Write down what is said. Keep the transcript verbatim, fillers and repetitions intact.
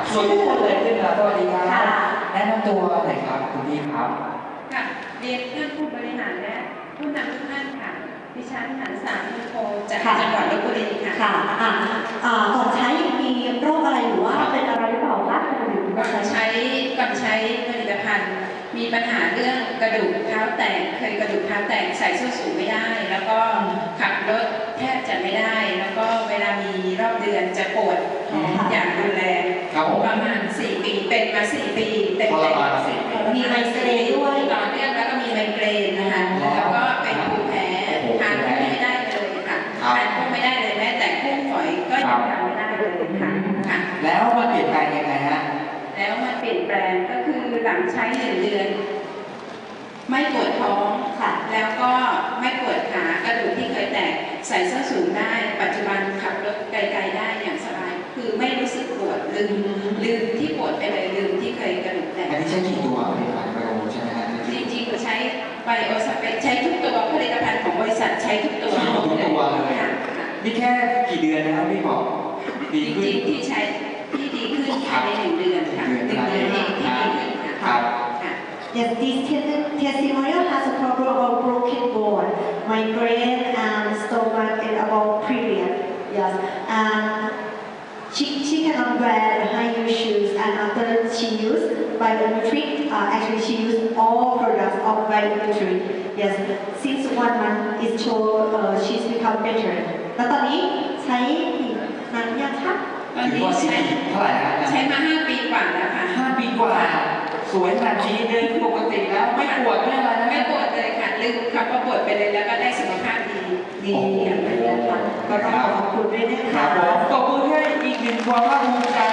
สวยทุกคนเลยขึ้นมาสวัสดีครับแนะนำตัวหน่อยครับคุณพี่ครับค่ะเรียนท่านผู้บริหารและผู้นำทุกท่านค่ะดิฉันหันสามมุโคจากจังหวัดลพบุรีค่ะค่ะอ่าอ่าก่อนใช้มีโรคอะไรหรือว่าเป็นอะไรหรือเปล่าคะก่อนใช้ก่อนใช้ผลิตภัณฑ์มีปัญหาเรื่องกระดูกเท้าแตกเคยกระดูกเท้าแตกใส่ส้นสูงไม่ได้แล้วก็ขับรถแทบจะไม่ได้แล้วก็เวลามีรอบเดือนจะปวดท้องอย่างรุนแรงประมาณสี่ปีเป็นมาสี่ปีเต็มๆมีไมเกรนด้วยต่อเนื่องแล้วก็มีไมเกรนนะคะแล้วก็เป็นภูมิแพ้ทานไม่ได้เลยค่ะทานก็ไม่ได้เลยแม้แต่กุ้งฝอยก็ยังทานไม่ได้เลยค่ะค่ะแล้วมันเปลี่ยนแปลงยังไงฮะแล้วมันเปลี่ยนแปลงก็คือหลังใช้หนึ่งเดือนไม่ปวดท้องค่ะแล้วก็ไม่ปวดขากระดูกที่เคยแตกใส่ส้นสูงได้ปัจจุบันขับรถไกลๆได้อย่างสบายคือไม่รู้สึกปวดลืมลืมที่ปวดไปเลยลืมที่เคยกระดูกแตกอันนี้ใช้กี่ตัวผลิตภัณฑ์ไบโอใช่ไหมฮะจริงๆใช้ไบโอสเปกใช้ทุกตัวผลิตภัณฑ์ของบริษัทใช้ทุกตัวทุกตัวเลยนี่แค่กี่เดือนนะครับพี่บอกดีขึ้นจริงๆที่ใช้ที่ดีขึ้นภายในหนึ่งเดือนค่ะหนึ่งเดือนเองที่ดีขึ้นค่ะ Yes, this testimonial has a problem about broken bone, migraine, and stomach, and about period. Yes, and she she cannot wear high heel shoes, and after she used Bionutric, uh, actually she used all products of Bionutric. Yes, since one month it show uh, she's become better. แล้วตอนนี้ใช้นานยังคะตอนนี้ใช้เท่าไหร่ฮะใช้มาห้าปีกว่าแล้วค่ะห้าปีกว่าสวยขนาดนี้เดินปกติแล้วไม่ปวดไม่อะไรนะไม่ปวดเลยค่ะลืมคำว่าปวดไปเลยแล้วก็ได้สุขภาพดีดีอย่างไรนะคะก็ต้องขอบคุณด้วยนะคะครับผมตบมือให้อีกหนึ่งความภาคภูมิใจ